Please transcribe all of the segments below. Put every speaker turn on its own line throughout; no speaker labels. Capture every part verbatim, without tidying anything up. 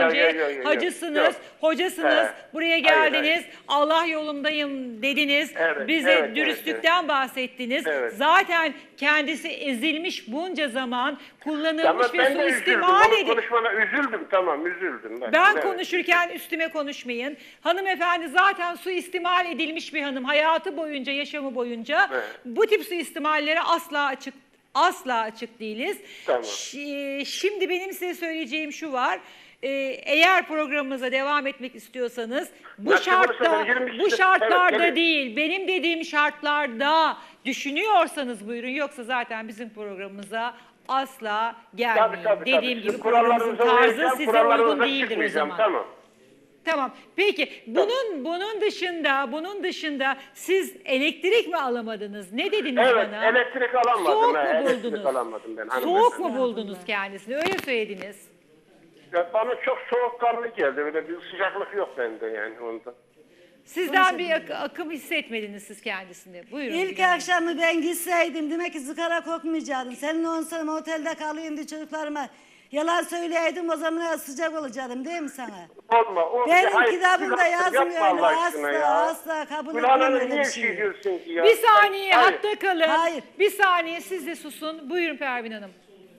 önce
Yok, yok, yok, yok.
hacısınız,
Yok.
hocasınız,
Evet.
buraya
Hayır,
geldiniz,
hayır.
Allah yolundayım dediniz,
Evet,
bize
evet,
dürüstlükten
evet.
bahsettiniz.
Evet.
Zaten kendisi ezilmiş bunca zaman, kullanılmış
Tamam,
ve
ben de üzüldüm.
suistimal
Onun
edilmiş.
konuşmana üzüldüm, tamam üzüldüm. Ben,
Ben
evet.
konuşurken üstüme konuşmayın. Hanımefendi zaten suistimal edilmiş bir hanım. Hayatı boyunca, yaşamı boyunca
Evet.
bu tip suistimallere asla açık asla açık değiliz.
Tamam.
Ş- Şimdi benim size söyleyeceğim şu var. Ee, eğer programımıza devam etmek istiyorsanız bu
Nasıl
şartta
olursa yirmi
bu
kişi-
şartlarda
evet, evet.
değil, benim dediğim şartlarda düşünüyorsanız buyurun, yoksa zaten bizim programımıza asla gelmeyin.
Tabii, tabii,
Dediğim
tabii.
gibi
Sizin
programımızın
kurallarınıza
tarzı
uyacağım,
size
kurallarınıza
uygun değildir o
çıkmayacağım,
zaman.
Tamam.
Tamam. Peki bunun bunun dışında bunun dışında siz elektrik mi alamadınız? Ne dediniz
Evet,
bana?
elektrik alamadım.
Soğuk
he,
mu
elektrik
buldunuz?
alamadım ben.
Soğuk
hanımefendi.
mu buldunuz kendisini? Öyle söylediniz.
Ya bana çok soğukkanlı geldi. Öyle bir sıcaklık yok bende yani onda.
Sizden bir ak- akım hissetmediniz siz kendisini. Buyurun.
İlk
Figen Hanım.
akşamı ben gitseydim demek ki sigara kokmayacaktım. Senin on sene otelde kalayım diye çocuklarıma yalan söyleyeydim, o zaman sıcak olacaktım değil mi sana?
Olma. O,
Benim
hayır,
kitabımda
yapma
yazmıyor
Allah
öyle,
aşkına
asla
ya.
asla kabul
Gül
etmem
Hanım,
öyle
niye
bir
bir şey
şeyi.
diyorsun ki ya?
Bir saniye
Hayır.
hatta kalın.
Hayır.
Bir saniye siz de susun. Buyurun Pervin Hanım.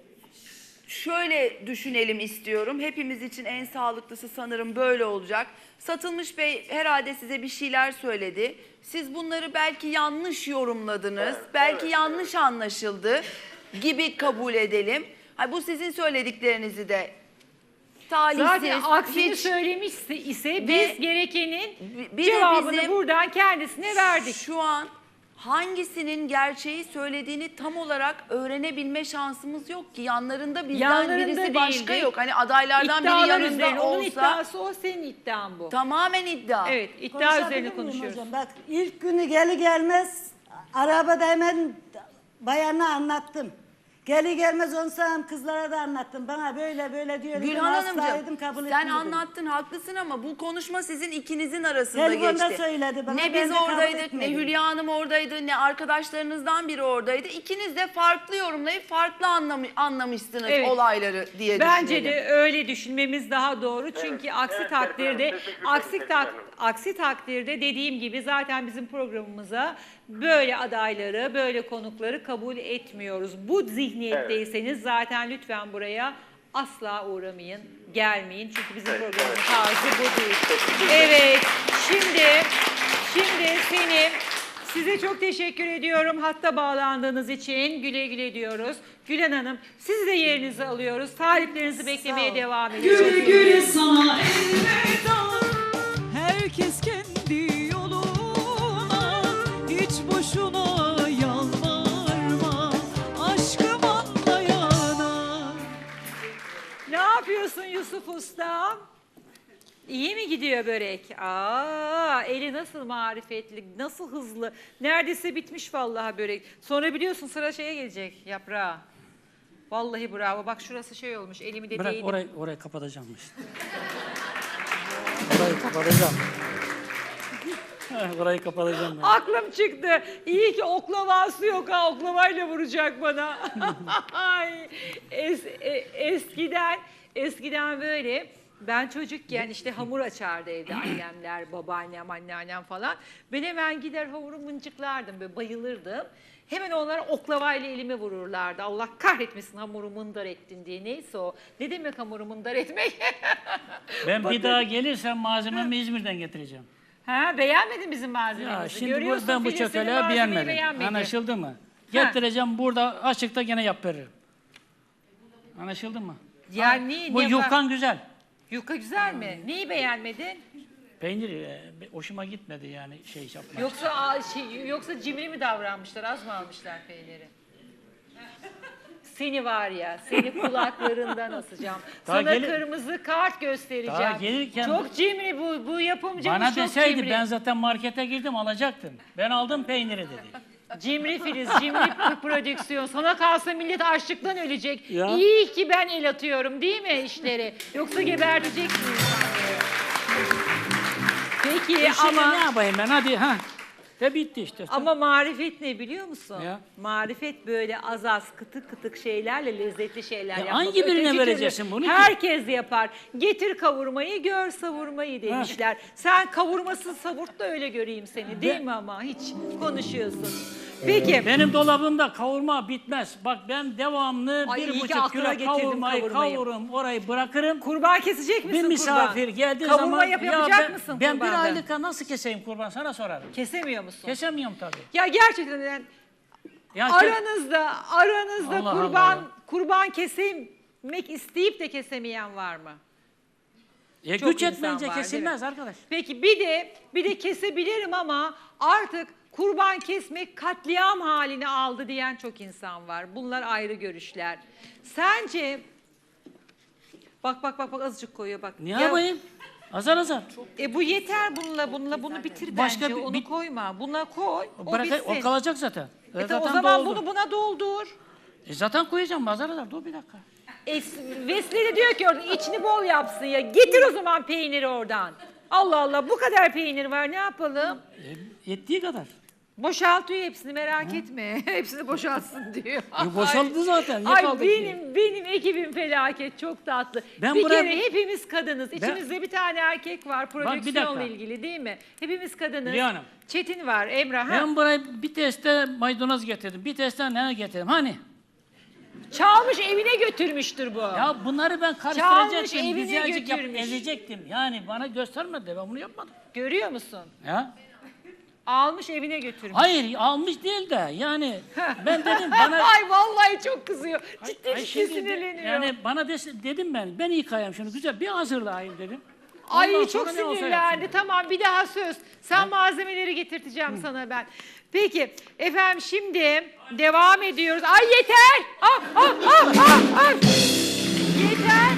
Şöyle düşünelim istiyorum. Hepimiz için en sağlıklısı sanırım böyle olacak. Satılmış Bey herhalde size bir şeyler söyledi. Siz bunları belki yanlış yorumladınız.
Evet,
belki
evet,
yanlış anlaşıldı gibi kabul edelim. Ha, bu sizin söylediklerinizi de talihsiz,
Zaten aksini
hiç-
söylemiş ise biz
Ve-
gerekenin
bir de
cevabını
bizim
buradan kendisine verdik.
Şu an hangisinin gerçeği söylediğini tam olarak öğrenebilme şansımız yok ki. Yanlarında bizden
Yanlarında
birisi başka
değildi.
yok. Hani adaylardan biri
İddialar
yanında
üzerine. Onun
olsa
iddiası o, senin iddian bu.
tamamen iddia.
Evet, iddia
Konuşabilir
üzerine
miyim
konuşuyoruz.
hocam? Bak ilk günü geli gelmez arabada hemen bayana anlattım. Geli gelmez on sene kızlara da anlattım. Bana böyle böyle diyor.
Gülhan Hanımcığım
kabul
sen
etmedim.
anlattın haklısın ama bu konuşma sizin ikinizin arasında
Telefonda
geçti.
söyledi bana,
Ne
ben
biz
de kabul
oradaydık, ne
etmedim.
Hülya Hanım oradaydı, ne arkadaşlarınızdan biri oradaydı. İkiniz de farklı yorumlayıp farklı anlam anlamışsınız
Evet.
olayları diye
Bence
düşünelim.
de öyle düşünmemiz daha doğru. Çünkü
Evet,
aksi
evet,
takdirde
evet, teşekkür ederim,
aksi
teşekkür
tak,
ederim.
aksi takdirde dediğim gibi zaten bizim programımıza böyle adayları, böyle konukları kabul etmiyoruz. Bu zihniyetteyseniz zaten lütfen buraya asla uğramayın, gelmeyin. Çünkü bizim
Evet,
programımızın
evet.
tarzı bu değil. Evet, şimdi şimdi senin size çok teşekkür ediyorum hatta bağlandığınız için. Güle güle diyoruz. Gülen Hanım, siz de yerinizi alıyoruz. Taliplerinizi beklemeye
ol.
devam ediyoruz.
Güle güle sana elveda. Herkes kendi yoluna, hiç boşuna yalvarma. Aşkım anlayana.
Ne yapıyorsun Yusuf Usta? İyi mi gidiyor börek? Aa, eli nasıl marifetli, nasıl hızlı. Neredeyse bitmiş vallahi börek. Sonra biliyorsun sıra şeye gelecek, yaprağa. Vallahi bravo. Bak şurası şey olmuş, elimi de
Bırak
değdim.
orayı, orayı kapatacağım işte. Orayı kapatacağım. Heh, orayı kapatacağım ben.
Aklım çıktı. İyi ki oklavası yok ha. Oklavayla vuracak bana. Ay, es, e, eskiden, eskiden böyle ben çocukken işte hamur açardı evde annemler, babaannem, anneannem falan. Ben hemen gider hamuru mıncıklardım, böyle bayılırdım. Hemen onlar oklavayla elime vururlardı. Allah kahretmesin hamuru mındar ettin diye. Neyse o. Ne demek hamuru mındar etmek?
Ben bir daha gelirsem malzememi İzmir'den getireceğim.
Ha, beğenmedin bizim malzememizi.
Ya şimdi bu,
Görüyorsun,
ben bu
Filiz senin
çökeleği
malzemeyi
beğenmedim.
beğenmedi.
Anlaşıldı mı? Getireceğim burada açıkta gene yap veririm. Anlaşıldı mı?
Yani niye?
Bu
niye
yufkan güzel.
Yufka güzel mi? Neyi beğenmedin?
Peynir e, hoşuma gitmedi yani şey yapmak.
Yoksa aa, şey, yoksa cimri mi davranmışlar? Az mı almışlar peyniri? Seni var ya, seni kulaklarından asacağım.
Daha
Sana
gelir-
kırmızı kart göstereceğim.
Daha gelirken-
Çok cimri bu, bu yapımcımız
Bana
çok
deseydi
cimri.
ben zaten markete girdim alacaktım. Ben aldım peyniri dedi.
Cimri Filiz, cimri p- prodüksiyon. Sana kalsa millet açlıktan ölecek.
Ya.
İyi ki ben el atıyorum değil mi işleri? Yoksa geberteceksin insanları. Peki
E şimdi
ama...
ne yapayım ben hadi ha. Ve bitti işte.
Ama marifet ne biliyor musun?
Ya.
Marifet böyle az az kıtık kıtık şeylerle lezzetli şeyler
Ya
yapmak.
hangi birine
Öteki
vereceksin
türlü
bunu ki?
Herkes yapar. Getir kavurmayı, gör savurmayı demişler. Sen kavurmasız savurt da öyle göreyim seni değil
Ben-
mi ama? Hiç konuşuyorsun. Peki.
Benim dolabımda kavurma bitmez. Bak ben devamlı
Ay, iyi
bir
ki
buçuk
aklına
kilo
getirdim
kavurmayı
kavurmayı.
kavururum, orayı bırakırım.
Kurban kesecek misin
Bir misafir
kurban?
geldiği
Kavurma
zaman
yap,
ya
yapacak
ben,
mısın
ben bir
kurbanda?
aylık nasıl keseyim kurban sana sorarım.
Kesemiyor musun?
Kesemiyorum tabii.
Ya gerçekten yani
Ya ke-
aranızda aranızda
Allah
kurban
Allah.
kurban kesilmek isteyip de kesemeyen var mı?
E,
Çok
güç
insan
etmeyince
var, değil
kesilmez
mi?
arkadaş.
Peki bir de bir de kesebilirim ama artık kurban kesmek katliam halini aldı diyen çok insan var. Bunlar ayrı görüşler. Sence bak bak bak bak azıcık koyuyor bak.
Ne
Ya-
yapayım? Azar azar.
E bu yeter bununla bununla bunu bitir
Başka
bence.
bir-
Onu
bir-
koyma. Buna koy. O
Bırak,
bitsin.
o kalacak zaten.
E
zaten
ta- o zaman
doldu.
bunu buna doldur.
E, zaten koyacağım azar azar. Dur bir dakika.
E, Vesile de diyor ki orada içini bol yapsın ya. Getir o zaman peyniri oradan. Allah Allah bu kadar peynir var ne yapalım?
E, yettiği kadar.
Boşaltıyor hepsini merak etme. Hepsini boşaltsın diyor.
E, boşaldı zaten. Ne
Ay
kaldı ki?
benim benim ekibim felaket çok tatlı.
Ben
bir
buraya-
kere hepimiz kadınız. İçimizde bir tane erkek var
bir
prodüksiyonla
dakika.
ilgili değil mi? Hepimiz kadınız.
Hülya Hanım.
Çetin var, Emrah. Ha?
Ben buraya bir teste maydanoz getirdim. Bir teste ne getirdim? Hani?
Çalmış evine götürmüştür bu.
Ya bunları ben
Çalmış,
karıştıracaktım.
evine
Güzelcik yap,
götürmüş.
ezecektim. Yani bana göstermedi. Ben bunu yapmadım.
Görüyor musun?
Ya.
Almış evine götürmüş.
Hayır almış değil de yani ben dedim bana...
Ay vallahi çok kızıyor. Ciddi
Ay,
ciddi
şimdi de-
sinirleniyor.
Yani bana des- dedim ben, ben yıkayayım şunu güzel bir hazırlayayım dedim.
Ay
Ondan
çok
sonra ne olsa
sinirlendi.
yapsın.
Tamam bir daha söz. Sen malzemeleri getirteceğim sana ben. Peki efendim şimdi devam ediyoruz. Ay yeter. Ah, ah, ah, ah, ah. Yeter.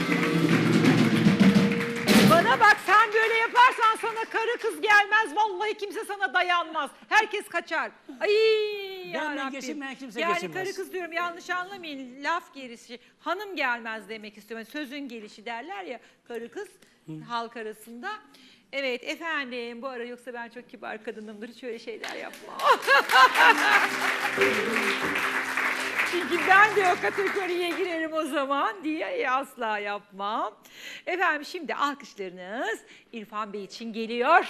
Bana bak sen böyle yaparsan sana karı kız gelmez. Vallahi kimse sana dayanmaz. Herkes kaçar. Ay
Benden
yarabbim.
geçinmeyen kimse
yani
geçinmez.
karı kız diyorum yanlış anlamayın. Laf gerisi. Hanım gelmez demek istiyorum. Yani sözün gelişi derler ya karı kız halk arasında. Evet efendim bu ara yoksa ben çok kibar kadınımdır. Hiç öyle şeyler yapmam. Çünkü ben de o kategoriye girerim o zaman diye asla yapmam. Efendim şimdi alkışlarınız İrfan Bey için geliyor.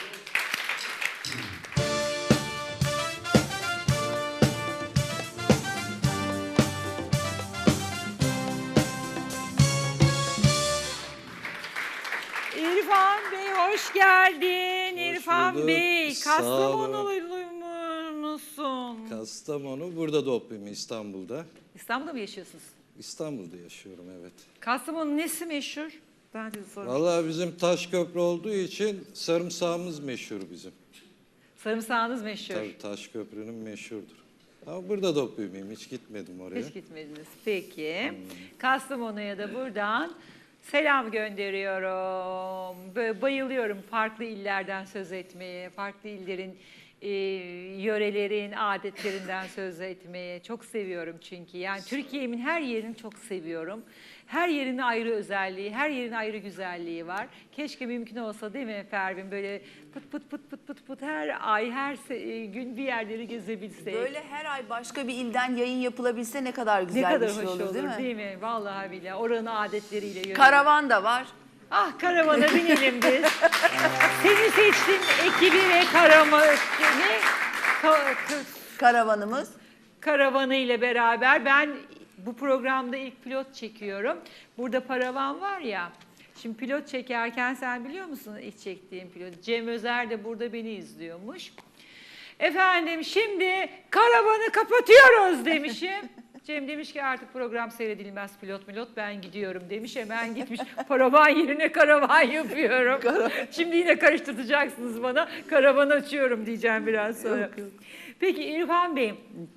İrfan Bey hoş geldin. İrfan
bulduk.
Bey
Sağ olun.
Kastamonulu musun?
Kastamonu, burada doğdum İstanbul'da.
İstanbul'da mı yaşıyorsunuz?
İstanbul'da yaşıyorum, evet.
Kastamonu'nun nesi meşhur? Ben size sorayım.
Vallahi bizim Taşköprü olduğu için sarımsağımız meşhur bizim.
Sarımsağınız meşhur.
Tabii Taşköprü'nün meşhurdur. Ama burada doğdum, hiç gitmedim oraya.
Hiç gitmediniz. Peki. Kastamonu'ya da buradan selam gönderiyorum. Böyle bayılıyorum farklı illerden söz etmeye, farklı illerin e, yörelerin adetlerinden söz etmeye çok seviyorum çünkü. Yani Türkiye'min her yerini çok seviyorum. Her yerin ayrı özelliği, her yerin ayrı güzelliği var. Keşke mümkün olsa değil mi Pervin? Böyle pıt pıt pıt pıt pıt pıt her ay, her se- gün bir yerleri gezebilsek.
Böyle her ay başka bir ilden yayın yapılabilse ne kadar güzel
Ne kadar
bir şey
hoş
olur,
olur,
değil mi?
Vallahi billahi oranın adetleriyle yönelik.
Karavan da var.
Ah karavana binelim biz. Seni seçtim ekibi ve karama, ne? Ka- ka-
Karavanımız.
karavanı ile beraber ben bu programda ilk pilot çekiyorum. Burada paravan var ya. Şimdi pilot çekerken sen biliyor musun ilk çektiğim pilot? Cem Özer de burada beni izliyormuş. Efendim şimdi karavanı kapatıyoruz demişim. Cem demiş ki artık program seyredilmez pilot milot ben gidiyorum demiş. Hemen gitmiş paravan yerine karavan yapıyorum. Şimdi yine karıştıracaksınız bana. Karavan açıyorum diyeceğim biraz sonra. Peki İrfan Bey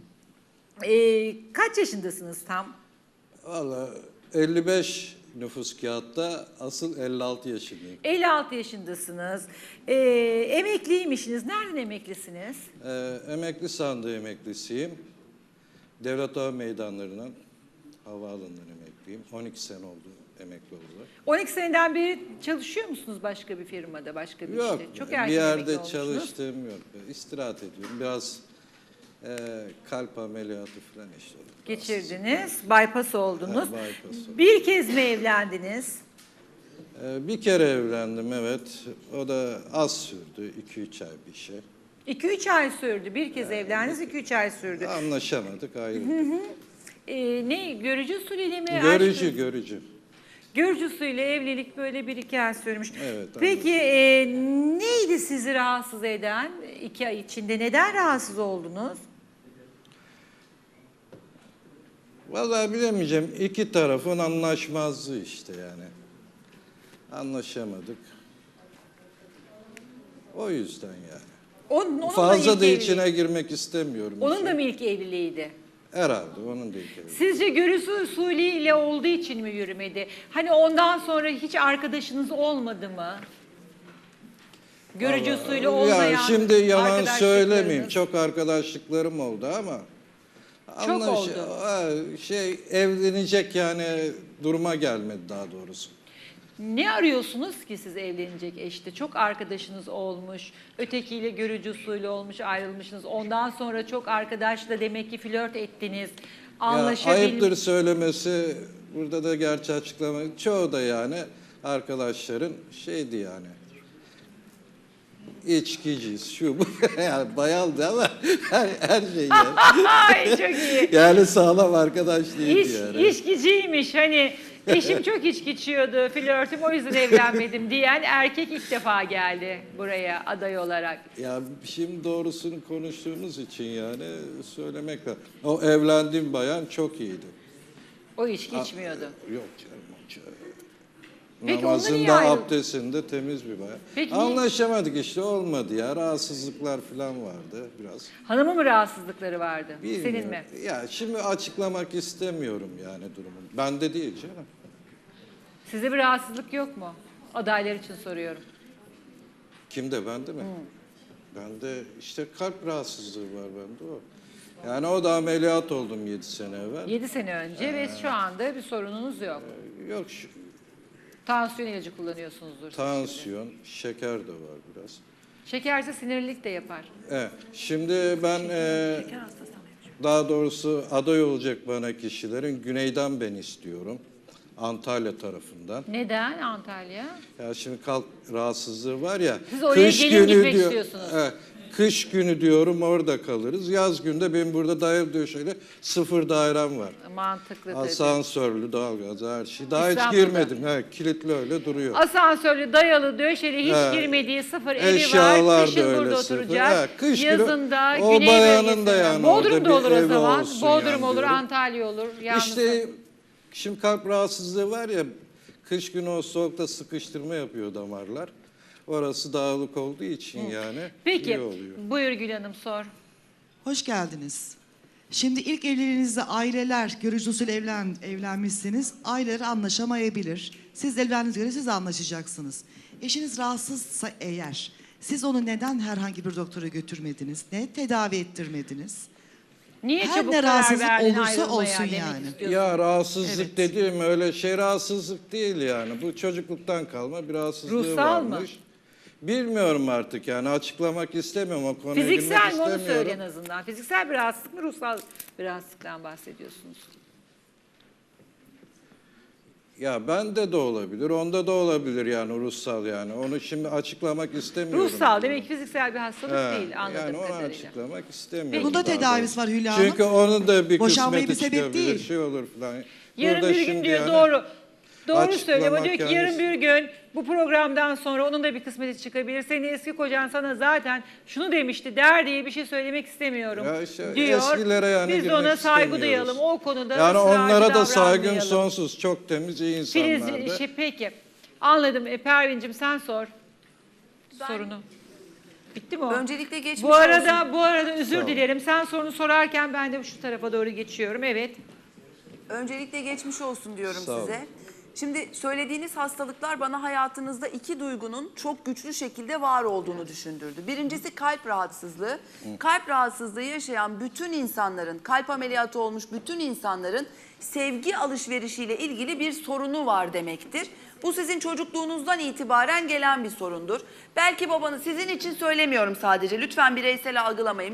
e, kaç yaşındasınız tam?
Vallahi elli beş nüfus kağıtta, asıl elli altı yaşındayım.
elli altı yaşındasınız. E, emekliymişsiniz. Nereden emeklisiniz?
Ee, emekli sandığı emeklisiyim. Devlet Hava Meydanları'ndan, havaalanından emekliyim. on iki sene oldu emekli oldular.
on iki seneden beri çalışıyor musunuz başka bir firmada, başka bir
Yok,
işte? Çok
bir
erken emekli
yerde
olmuşsunuz.
çalıştığım yok. İstirahat ediyorum. Biraz e, kalp ameliyatı falan işte. oldu.
Geçirdiniz, bypass oldunuz.
Evet, bypass oldum.
Bir kez mi evlendiniz?
E, bir kere evlendim, evet. O da az sürdü. iki üç ay bir şey.
iki üç ay sürdü. Bir kez evlendiniz, iki üç ay sürdü.
Anlaşamadık, ayrıldık.
Ee, ne, görücü usulüyle mi?
Görücü,
aşk-
görücü.
Görücü usulüyle evlilik böyle bir iki ay sürmüş.
Evet,
Peki e, neydi sizi rahatsız eden iki ay içinde? Neden rahatsız oldunuz?
Vallahi bilemeyeceğim. İki tarafın anlaşmazlığı işte yani. Anlaşamadık. O yüzden yani.
Onun, onun
Fazla
ilk
da
evliliği-
içine girmek istemiyorum.
Onun
işin.
da mı ilk evliliğiydi?
Herhalde onun da ilk evliliği.
Sizce görücü usulüyle olduğu için mi yürümedi? Hani ondan sonra hiç arkadaşınız olmadı mı? Görücü
Vallahi-
usulü olmayan
Ya şimdi yalan
arkadaşlıklarınız.
söylemeyeyim. Çok arkadaşlıklarım oldu ama.
Çok oldu.
Ha, Şey evlenecek yani duruma gelmedi daha doğrusu.
Ne arıyorsunuz ki siz evlenecek eşte? Çok arkadaşınız olmuş, ötekiyle görücü usulü olmuş, ayrılmışsınız. Ondan sonra çok arkadaşla demek ki flört ettiniz,
Ya,
anlaşabilmiş.
ayıptır söylemesi, burada da gerçi açıklama, çoğu da yani arkadaşların şeydi yani. İçkiciyiz, şu bu. Yani bayaldı ama her, her şey yani.
Ay çok iyi.
Yani sağlam arkadaş değildi
İş,
yani.
içkiciymiş hani eşim çok içki içiyordu, flörtüm o yüzden evlenmedim diyen erkek ilk defa geldi buraya aday olarak.
Ya şimdi doğrusunu konuştuğumuz için yani söylemek lazım. O evlendiğim bayan çok iyiydi.
O içki içmiyordu.
Yok canım. o çok-
Peki onunla niye
Namazında,
ayrıldın?
abdestinde temiz bir bayan.
Peki niye-
Anlaşamadık işte, olmadı ya. Rahatsızlıklar falan vardı biraz.
Hanımın mı rahatsızlıkları vardı?
Bilmiyorum.
Senin mi?
Ya şimdi açıklamak istemiyorum yani durumu. Bende değil canım.
Size bir rahatsızlık yok mu? Adaylar için soruyorum.
Kimde, bende mi? Bende işte kalp rahatsızlığı var bende o. Yani o da ameliyat oldum yedi sene evvel.
yedi sene önce ve şu anda bir sorununuz yok.
Yok şu,
Tansiyon ilacı kullanıyorsunuzdur. siz şimdi.
tansiyon, şeker de var biraz.
Şekerse sinirlilik de yapar.
Evet. Şimdi ben e, daha doğrusu aday olacak bana kişilerin güneyden ben istiyorum. Antalya tarafından.
Neden Antalya?
Ya şimdi kalp rahatsızlığı var ya.
Siz oraya gelin gitmek istiyorsunuz.
Evet, kış günü diyorum orada kalırız. Yaz günde benim burada daire döşeyle sıfır dairem var.
Mantıklı tabii.
Asansörlü, doğalgaz, her şey. Daha hiç
İstanbul'da.
girmedim. Evet, kilitli öyle duruyor.
Asansörlü, dayalı, döşeli, hiç
He.
girmediği sıfır evi
Eşyalar
var.
da
Kışın
öyle
burada
sıfır.
oturacak.
He, kış günü
Yazında
o
güney
bayanın
bölgesinde.
da yani orada
Bodrum'da
bir
olur o
evi
zaman.
olsun
Bodrum
yani
olur,
diyorum.
Antalya olur. Yalnız
İşte şimdi kalp rahatsızlığı var ya, kış günü o soğukta sıkıştırma yapıyor damarlar. Orası dağılık olduğu için yani
Peki,
iyi oluyor.
buyur Gül Hanım sor.
Hoş geldiniz. Şimdi ilk evliliğinizde aileler, görücü usulü evlen, evlenmişsiniz. Aileler anlaşamayabilir. Siz evlendiğinize göre siz anlaşacaksınız. Eşiniz rahatsızsa eğer, siz onu neden herhangi bir doktora götürmediniz? Ne tedavi ettirmediniz?
Niye
Her
çabuk
ne
karar
rahatsızlık
verdin
olursa
ayrılmaya
olsun
demek
yani.
istiyorsun?
Ya rahatsızlık
Evet.
dediğim öyle şey rahatsızlık değil yani. Bu çocukluktan kalma bir rahatsızlığı
Ruhsal mı?
varmış. Bilmiyorum artık yani, açıklamak istemiyorum, o konuya
Fiziksel
girmek
mi onu
istemiyorum.
söyle en azından. Fiziksel bir rahatsızlık mı, ruhsal bir rahatsızlıktan bahsediyorsunuz?
Ya bende de olabilir, onda da olabilir yani ruhsal yani. Onu şimdi açıklamak istemiyorum.
Ruhsal demek ki fiziksel bir hastalık
He,
değil anladığım
yani onu
kadarıyla.
açıklamak istemiyorum.
Peki.
Bunda
daha
tedavisi
doğrusu.
var Hülya Hanım.
Çünkü onun da bir
Boşanmayı
kısmeti
bir sebep
çıkabilir,
değil.
şey olur falan.
Yarın
Burada
bir gün
şimdi
diyor
yani
doğru. Doğru
açıklamak
söylüyor ama diyor ki
yani-
yarın bir gün bu programdan sonra onun da bir kısmeti çıkabilir. Senin eski kocan sana zaten şunu demişti der diye bir şey söylemek istemiyorum
Ya işte
diyor.
eskilere yani
Biz de
girmek
ona saygı
istemiyoruz.
duyalım. O konuda
Yani
ısrarcı
onlara da saygım
davranmayalım.
sonsuz. Çok temiz, iyi
Filiz,
insanlardı.
şey, peki anladım. E, Pervin'cim sen sor sorunu. Bitti mi o?
Öncelikle geçmiş
Bu arada
olsun.
bu arada özür
Sağ ol.
dilerim. Sen sorunu sorarken ben de şu tarafa doğru geçiyorum. Evet.
Öncelikle geçmiş olsun diyorum
Sağ olun.
size. Şimdi söylediğiniz hastalıklar bana hayatınızda iki duygunun çok güçlü şekilde var olduğunu düşündürdü. Birincisi kalp rahatsızlığı. Kalp rahatsızlığı yaşayan bütün insanların, kalp ameliyatı olmuş bütün insanların sevgi alışverişiyle ilgili bir sorunu var demektir. Bu sizin çocukluğunuzdan itibaren gelen bir sorundur. Belki babanız, sizin için söylemiyorum sadece, lütfen bireysel algılamayın.